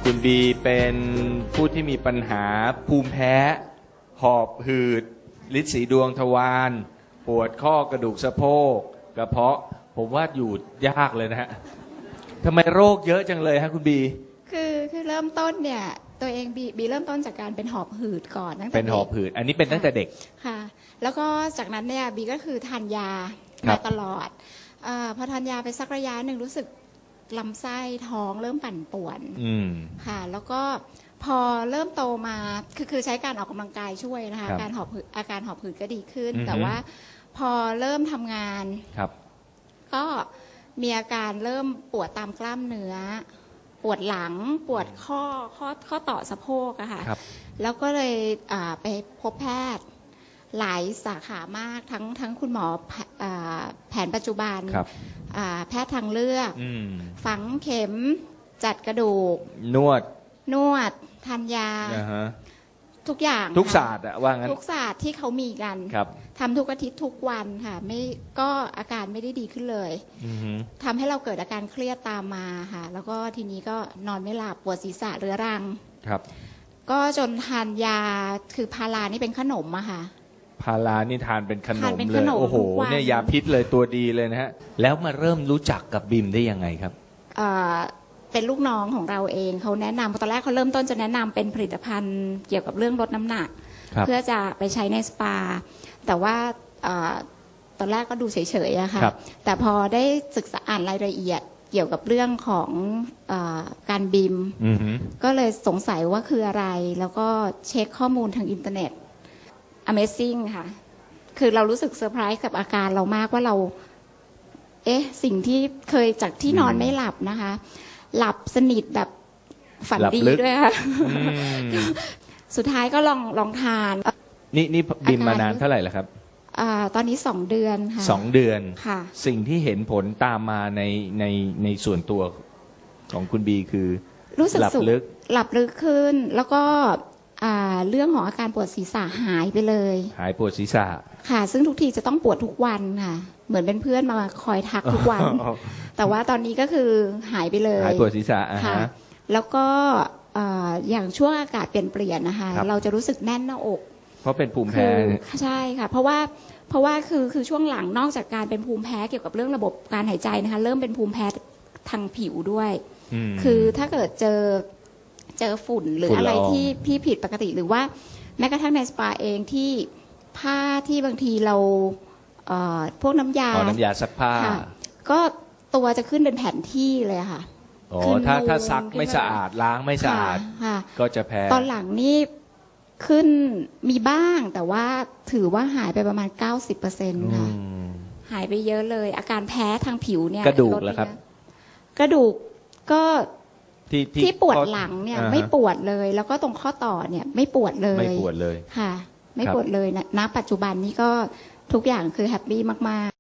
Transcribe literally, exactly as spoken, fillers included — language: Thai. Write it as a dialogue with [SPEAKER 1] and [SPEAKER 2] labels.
[SPEAKER 1] คุณบีเป็นผู้ที่มีปัญหาภูมิแพ้หอบหืดฤทธิ์สีดวงทวารปวดข้อกระดูกสะโพกกระเพาะผมว่าอยู่ยากเลยนะฮะทำไมโรคเยอะจังเลยฮะคุณบี
[SPEAKER 2] คือคือเริ่มต้นเนี่ยตัวเองบีบีเริ่มต้นจากการเป็นหอบหืดก่อนตั้งแต่
[SPEAKER 1] เป็นหอบหืดอันนี้เป็นตั้งแต่เด็ก
[SPEAKER 2] ค่ะแล้วก็จากนั้นเนี่ยบีก็คือทานยามาตลอดอพอทานยาไปสักระยะหนึ่งรู้สึกลำไส้ท้องเริ่มปั่นป่วนค่ะแล้วก็พอเริ่มโตมาคือคือใช้การออกกำลังกายช่วยนะคะการหอบหืดอาการหอบหืดก็ดีขึ้นแต่ว่าพอเริ่มทำงานก็มีอาการเริ่มปวดตามกล้ามเนื้อปวดหลังปวดข้อข้อข้อต่อสะโพกอะค่ะแล้วก็เลยไปพบแพทย์หลายสาขามากทั้งทั้งคุณหมอแผนปัจจุบันแพทย์ทางเลือกฝังเข็มจัดกระดูก
[SPEAKER 1] นวด
[SPEAKER 2] นวดทานยาทุกอย่าง
[SPEAKER 1] ทุกศาสตร์อะว่างั้น
[SPEAKER 2] ทุกศาสตร์ที่เขามีกันทำทุกอาทิตย์ทุกวันค่ะไม่ก็อาการไม่ได้ดีขึ้นเลยทำให้เราเกิดอาการเครียดตามมาค่ะแล้วก็ทีนี้ก็นอนไม่หลับปวดศีรษะเรื้อรัง
[SPEAKER 1] ครับก็
[SPEAKER 2] จนทานยาคือพารานี่เป็นขนมอะค่ะ
[SPEAKER 1] พารานี่ทานเป็นขนมเลยโอ้โหเนี่ยยาพิษเลยตัวดีเลยนะฮะแล้วมาเริ่มรู้จักกับบิมได้ยังไงครับ
[SPEAKER 2] เป็นลูกน้องของเราเองเขาแนะนำตอนแรกเขาเริ่มต้นจะแนะนำเป็นผลิตภัณฑ์เกี่ยวกับเรื่องลดน้ำหนักเพื่อจะไปใช้ในสปาแต่ว่าตอนแรกก็ดูเฉยๆอะค่ะแต่พอได้ศึกษาอ่านรายละเอียดเกี่ยวกับเรื่องของอการบิมก็เลยสงสัยว่าคืออะไรแล้วก็เช็คข้อมูลทางอินเทอร์เน็ต Amazing ค่ะคือเรารู้สึกเซอร์ไพรส์กับอาการเรามากว่าเราเอ๊ะสิ่งที่เคยจากที่นอนไม่หลับนะคะหลับสนิทแบบฝันดีด้วยค่ะสุดท้ายก็ลองลองทาน
[SPEAKER 1] นี่นี่บิมมานานเท่าไหร่แล้วครับ
[SPEAKER 2] ตอนนี้สองเดือนค่ะ
[SPEAKER 1] สองเดือน
[SPEAKER 2] ค่ะ
[SPEAKER 1] สิ่งที่เห็นผลตามมาในในในส่วนตัวของคุณบีคือ
[SPEAKER 2] รู้สึกหลับลึกหลับลึกขึ้นแล้วก็เรื่องของอาการปวดศีรษะหายไปเลย
[SPEAKER 1] หายปวดศีรษะ
[SPEAKER 2] ค่ะซึ่งทุกทีจะต้องปวดทุกวันค่ะเหมือนเป็นเพื่อนมาคอยทักทุกวันแต่ว่าตอนนี้ก็คือหายไปเลย
[SPEAKER 1] หายปวดศีรษะ
[SPEAKER 2] ค่ะแล้วก็อย่างช่วงอากาศเปลี่ยนเปลี่ยนนะคะเราจะรู้สึกแน่นหน้าอก
[SPEAKER 1] เพราะเป็นภูมิแพ้
[SPEAKER 2] ใช่ค่ะเพราะว่าเพราะว่าคือคือช่วงหลังนอกจากการเป็นภูมิแพ้เกี่ยวกับเรื่องระบบการหายใจนะคะเริ่มเป็นภูมิแพ้ทางผิวด้วยคือถ้าเกิดเจอเจอฝุ่นหรืออะไรที่พี่ผิดปกติหรือว่าแม้กระทั่งในสปาเองที่ผ้าที่บางทีเราพวกน้ำยา
[SPEAKER 1] น้ำยาซักผ้า
[SPEAKER 2] ก็ตัวจะขึ้นเป็นแผ่นที่เลยค่ะ
[SPEAKER 1] อ๋อถ้าถ้าซักไม่สะอาดล้างไม่สะอาดก็จะแพ้
[SPEAKER 2] ตอนหลังนี่ขึ้นมีบ้างแต่ว่าถือว่าหายไปประมาณ เก้าสิบเปอร์เซ็นต์ ค่ะหายไปเยอะเลยอาการแพ้ทางผิวเนี่ย
[SPEAKER 1] กระดูกแล้วครับ
[SPEAKER 2] กระดูกก็
[SPEAKER 1] ที่
[SPEAKER 2] ที่ปวดหลังเนี่ยไม่ปวดเลยแล้วก็ตรงข้อต่อเนี่ยไม่ปวดเลย
[SPEAKER 1] ไม่ปวดเลย
[SPEAKER 2] ค่ะไม่ปวดเลยณปัจจุบันนี้ก็ทุกอย่างคือแฮปปี้มากๆ